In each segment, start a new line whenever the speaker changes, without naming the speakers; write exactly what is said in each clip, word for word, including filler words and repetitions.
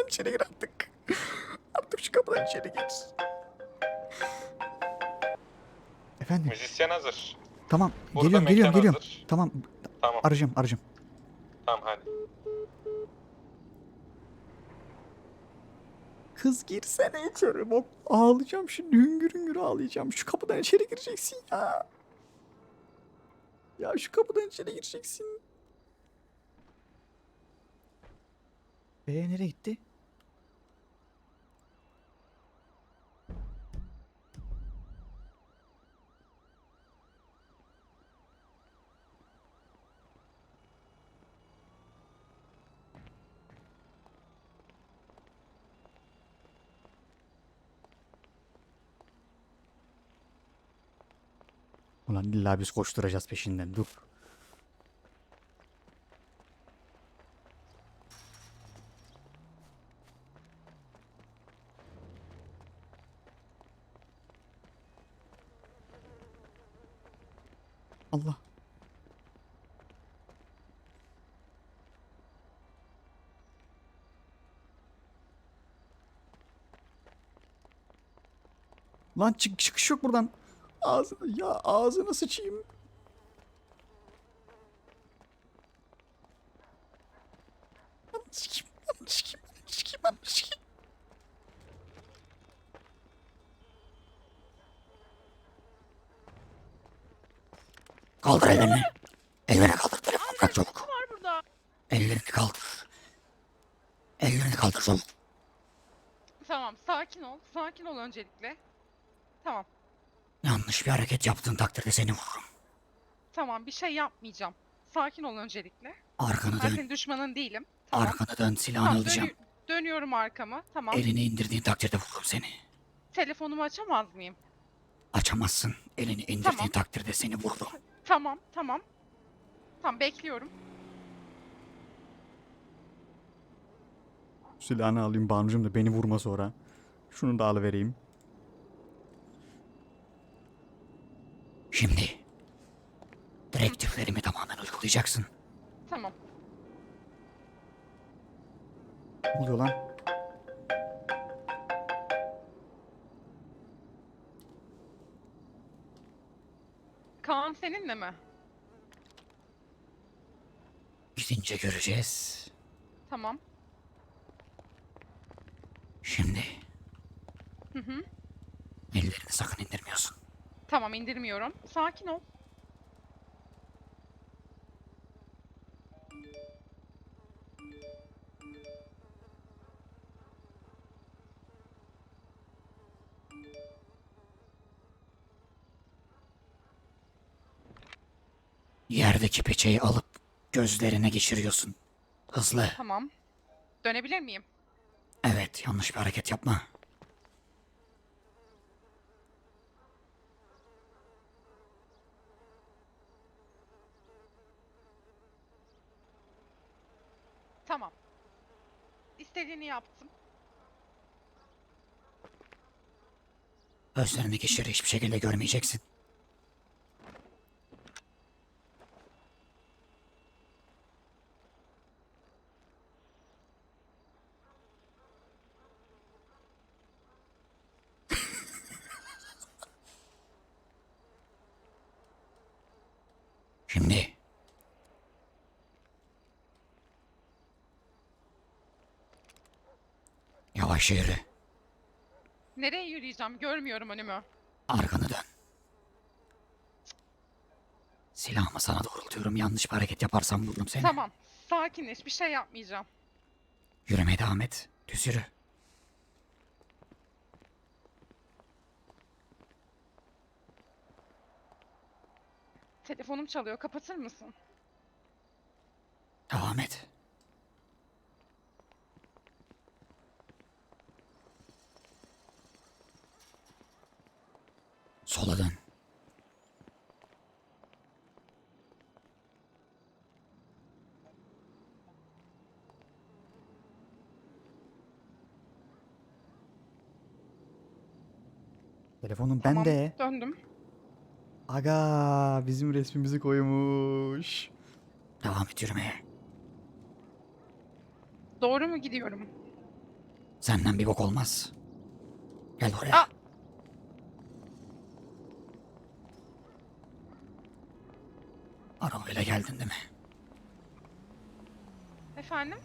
kapıdan içeri gir artık. Artık şu kapıdan içeri gir. Efendim?
Müzisyen hazır.
Tamam.
Burada
Geliyorum, geliyorum,
mekan
geliyorum.
hazır.
Tamam.
Tamam.
Arayacağım, arayacağım.
Tamam hadi.
Kız girsene içeri. Bak ağlayacağım şimdi. Hüngür hüngür ağlayacağım. Şu kapıdan içeri gireceksin ya. Ya şu kapıdan içeri gireceksin. Ee nereye gitti? Ulan illa biz koşturacağız peşinden. Dur. Allah. Lan çık çıkış yok buradan. Ağzını ya ağzına sıçayım. Ananı sikeyim, ananı sikeyim, ananı sikeyim, ananı sikeyim.
Kaldır ellerini. Ellerini kaldır. Telefonu bırak çabuk.
var burada?
Ellerini kaldır. Ellerini kaldır çabuk.
Tamam, sakin ol. Sakin ol öncelikle. Tamam,
Yanlış bir hareket yaptığın takdirde seni vururum.
tamam bir şey yapmayacağım. Sakin ol öncelikle.
Arkanı
Ben
dön.
senin düşmanın değilim. Tamam.
Arkanı dön. Silahını
Tamam,
alacağım.
dönü- dönüyorum arkamı. Tamam.
Elini indirdiğin takdirde vururum seni.
Telefonumu açamaz mıyım?
Açamazsın. Elini indirdiğin
Tamam.
takdirde seni vururum.
Tamam, tamam. Tamam, bekliyorum.
Silahını alayım Banucuğum da beni vurma sonra. Şunu da alıvereyim.
Şimdi direktiflerimi tamamen uygulayacaksın.
Tamam.
Ne oluyor lan?
Kaan seninle mi?
Gidince göreceğiz.
Tamam.
Şimdi
Hı hı.
ellerini sakın indirmiyorsun.
Tamam, indirmiyorum. Sakin ol.
Yerdeki peçeyi alıp gözlerine geçiriyorsun. Hızlı.
Tamam. Dönebilir miyim?
Evet, yanlış bir hareket yapma.
Tamam. İstediğini yaptım.
Gözlerini geçir, hiçbir şekilde görmeyeceksin. Şimdi yavaş yürü.
Nereye yürüyeceğim? Görmüyorum önümü.
Arkanı dön. Silahımı sana doğrultuyorum. Yanlış bir hareket yaparsam vururum seni.
Tamam. Sakinleş. Bir şey yapmayacağım.
Yürümeye devam et. Düz yürü.
Telefonum çalıyor. Kapatır mısın?
Devam et. Sola dön.
Telefonum
Tamam.
bende.
Döndüm.
Aga bizim resmimizi koymuş.
Devam et yürümeye.
Doğru mu gidiyorum?
Senden bir bok olmaz. Gel buraya.
Aa!
Arabayla geldin değil mi?
Efendim?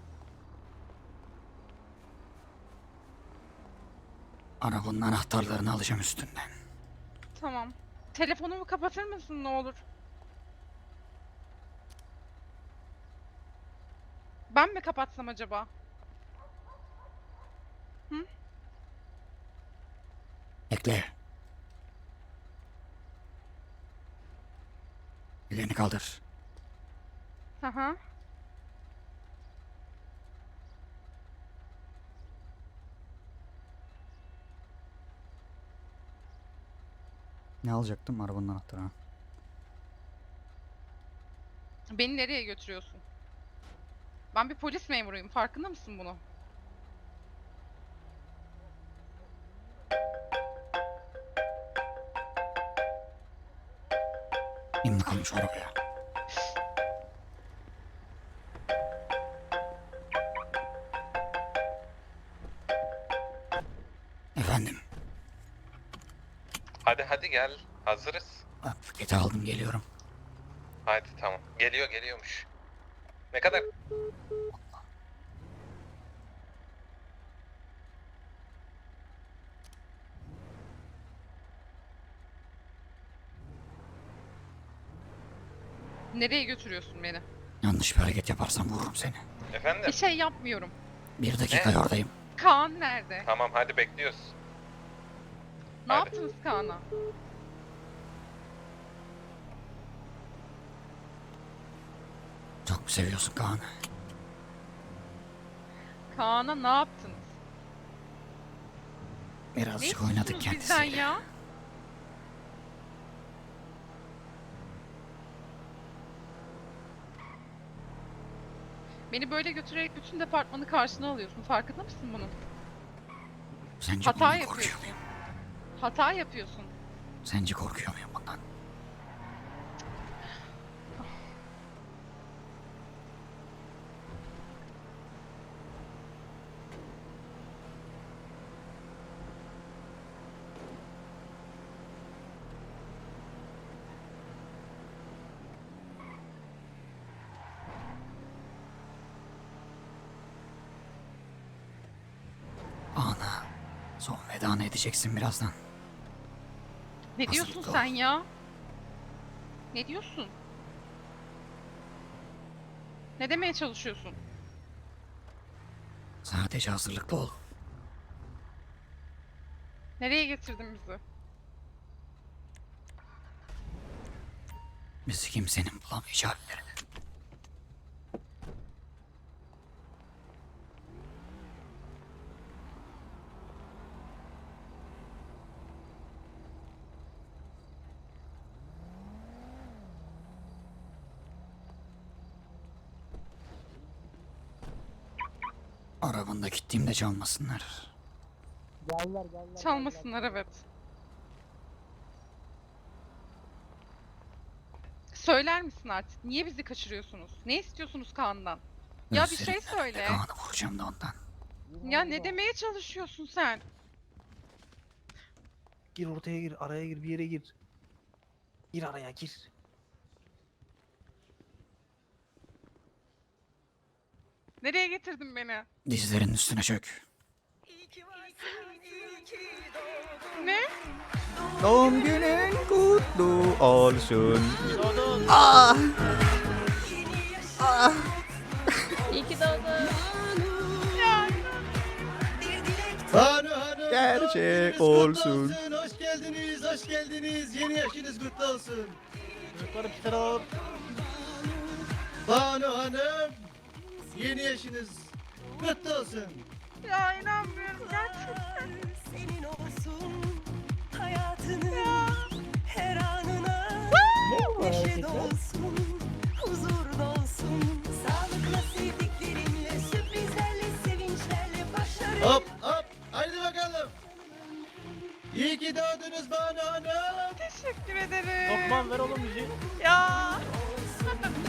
Arabanın anahtarlarını alacağım üstünden.
Tamam. Telefonumu kapatır mısın ne olur? Ben mi kapatsam acaba?
Bekle. Ellerini kaldır.
Hı hı.
Ne alacaktım arabanın anahtarını?
Beni nereye götürüyorsun? Ben bir polis memuruyum. Farkında mısın bunu?
İn bakalım şu arabaya. Efendim.
Hadi hadi gel. Hazırız.
Bak, paketi aldım geliyorum.
Hadi tamam. Geliyor geliyormuş. Ne kadar?
Nereye götürüyorsun beni?
Yanlış bir hareket yaparsam vururum seni.
Efendim?
Bir şey yapmıyorum.
Bir dakika oradayım.
Kaan nerede?
Tamam hadi bekliyoruz.
Ne
hadi.
yaptınız Kaan'a?
Çok mu seviyorsun Kaan'ı?
Kaan'a ne yaptınız? Ne
Birazcık oynadık
istiyorsunuz bizden
kendisiyle.
ya? Beni böyle götürerek bütün departmanı karşına alıyorsun. Farkında mısın bunun?
Sence
Hata
bundan
yapıyorsun.
korkuyor muyum?
Hata yapıyorsun.
Sence korkuyor muyum bundan? Ana, son vedanı edeceksin birazdan.
Ne
Hazırlıklı
diyorsun
ol.
sen ya? Ne diyorsun? Ne demeye çalışıyorsun?
Sadece hazırlıklı ol.
Nereye getirdin bizi?
Bizi kimsenin bulamayacağı bir yere. Arabanda gittiğimde çalmasınlar.
Çalmasınlar evet. Söyler misin artık? Niye bizi kaçırıyorsunuz? Ne istiyorsunuz Kaan'dan? Ya bir şey
Gözlerimin önünde
söyle.
Kaan'ı vuracağım da ondan.
Ya ne demeye çalışıyorsun sen?
Gir ortaya gir, araya gir, bir yere gir. Gir araya gir.
Nereye getirdin beni?
Dizlerinin üstüne çök.
Ne?
Doğum günün kutlu olsun. Ah! Ah!
Banu Hanım,
Gerçek
doğum gününüz
olsun.
kutlu Hoş geldiniz, hoş geldiniz. Yeni yaşınız kutlu olsun.
Çocukları bir tane alalım.
Banu Hanım, yeni yaşınız kutlu olsun.
Ya inanmıyorum gerçekten.
Senin olsun hayatının her anına neşe dolsun, huzur dolsun. Sağlıkla sevdiklerinle, sürprizlerle, sevinçlerle başlarım.
Hop hop, haydi bakalım. İyi ki doğdunuz Banu Hanım.
Teşekkür ederim.
Lokman ver oğlum müziği.
Ya.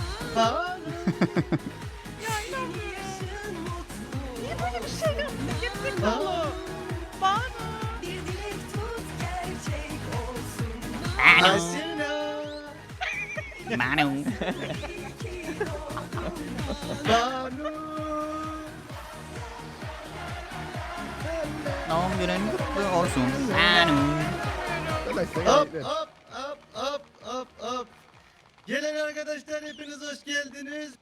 Banu.
Ya inanmıyorum. Niye böyle bir şey yaptın? Banu. Banu.
Bir dilek tut gerçek olsun.
Asena.
Manu.
İyi ki doğdun.
Banu.
Doğum günün kutlu olsun. Manu.
Hop hop hop hop hop hop. Gelen arkadaşlar hepiniz hoş geldiniz.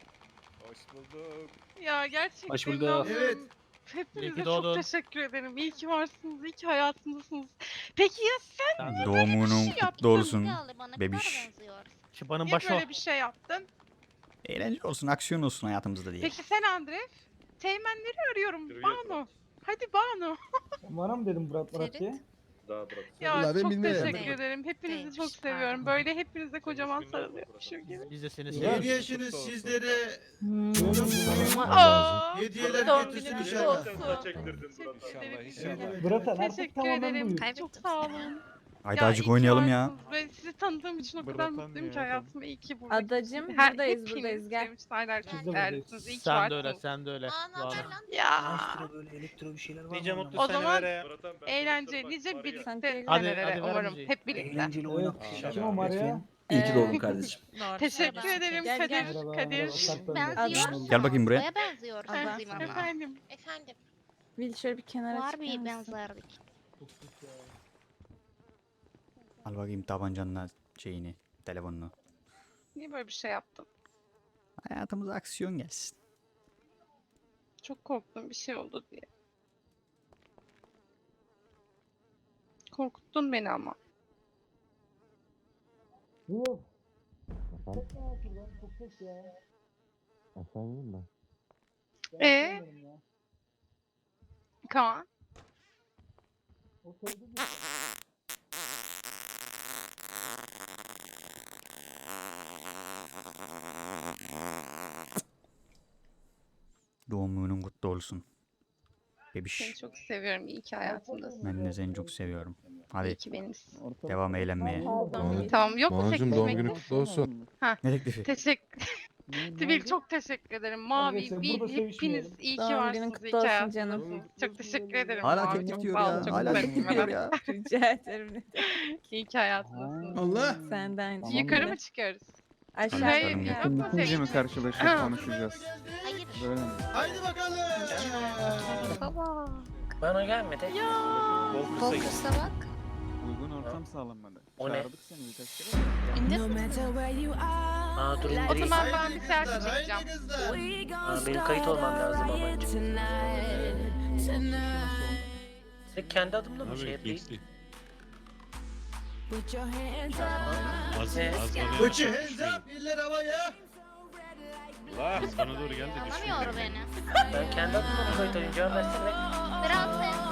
Ya gerçekten
Hoş bulduk.
inanmıyorum.
Evet.
Hepinize
İyi ki
çok
doğdun.
teşekkür ederim. İyi ki varsınız, iyi ki hayatımdasınız. Peki ya sen
Doğumunun
şey yaptın.
kutlu olsun. Bebiş.
Şıbanın
niye
başı o.
böyle bir şey yaptın?
Eğlence olsun, aksiyon olsun hayatımızda diye.
Peki sen Andref? Teğmenleri arıyorum. Banu. Hadi Banu.
Bana mı dedim Murat Murat diye?
Ya
Ulan ben
çok
bilmiyorum.
teşekkür ederim. Hepinizi çok seviyorum. Böyle hepinize kocaman sarılıyormuşum gibi.
Biz de seni
Yedi
seviyoruz.
yaşınız sizlere
Aa,
hediyeler
doğum
getirsin
gününüz
inşallah.
olsun. Teşekkür ederim.
Murat abi artık
Teşekkür
tamamen
ederim.
buyur.
Çok sağ olun.
Haydi
Ya, iyi
azıcık
ki
oynayalım ya.
varsınız. Ben sizi tanıdığım için o kadar mutluyum ki hayatımda iyi ki burada.
Adacım
Her
buradayız
hepiniz
buradayız gel.
benim için hala çok
Biz de
değerlisiniz. İyi ki
Sen de öyle,
varsınız.
sen de öyle. Banu.
Ya.
Elektro böyle elektro bir şeyler var
Diyeceğim
mı?
otuz
O
sene
zaman
ver ya.
eğlenceli nice birlikte
Hadi,
senelere
hadi ver
umarım.
müziği.
Hep birlikte.
Eğlenceli
Evet.
oynak.
Kim o Maria?
İyi ki doğdun
Ee,
kardeşim.
Teşekkür ederim
Gel,
Kadir.
gel.
Merhaba,
Kadir.
merhaba, Tatlım.
Ada.
Gel bakayım buraya.
Neye benziyoruz
Ada.
bizim ama?
Efendim.
Efendim,
Bil şöyle bir kenara
var
çıkar
bir
mısın?
benzerlik.
Al bakayım tabancanla şeyini, telefonunu.
Niye böyle bir şey yaptın?
Hayatımıza aksiyon gelsin.
Çok korktum bir şey oldu diye. Korkuttun beni ama.
Yok.
Ee? Kaan.
Doğum günün kutlu olsun.
Seni
Bebiş.
çok seviyorum. İyi ki hayatımdasın.
Ben de seni çok seviyorum.
İyi
Hadi
ki benimsin.
devam eğlenmeye.
Tamam yok mu
Banu'cum
teklif
doğum
mektup?
günün kutlu olsun.
Ne teklifi?
Teşekkür. Tibil çok teşekkür ederim. Mavi,
Arkadaşlar,
Bil,
burada
hepiniz
sevişmeyelim.
iyi ki
Doğum günün
varsınız.
kutlu
İyi ki
olsun
hayatımdasınız.
canım.
Çok teşekkür ederim.
Hala
Mavi,
teklif
çok
diyor
sağ ol,
ya.
çok
Hala
sevindim.
teklif diyor ya.
Rica ederim. ne demek.
İyi ki hayatımdasınız.
Allah.
Senden
Tamam.
Yukarı
Yukarı
mı çıkıyoruz?
Aşağı
Hayır,
Yukarı mı?
yok mu tek-
mi karşılaşıp
Ha.
konuşacağız?
Hayır.
Böyle mi?
Haydi bakalım.
Baba.
Bana gelmedi.
Ya.
Fokus'a bak.
Uygun ortam sağlanmadı.
O ne?
Çağırdık seni birkaç kere.
İndir.
Aa dur
O
indireyim.
zaman ben bir
Haydi
selfie
kızlar, haydi
çekeceğim.
kızlar.
Aa, benim kayıt olmam lazım ama önce. Sen kendi adımla mı şey yapayım? Ne?
Put your hands up, eller havaya.
Anlamıyor beni.
Ben kendi adımla mı kayıt alayım? Cevap versene.
Biraz sen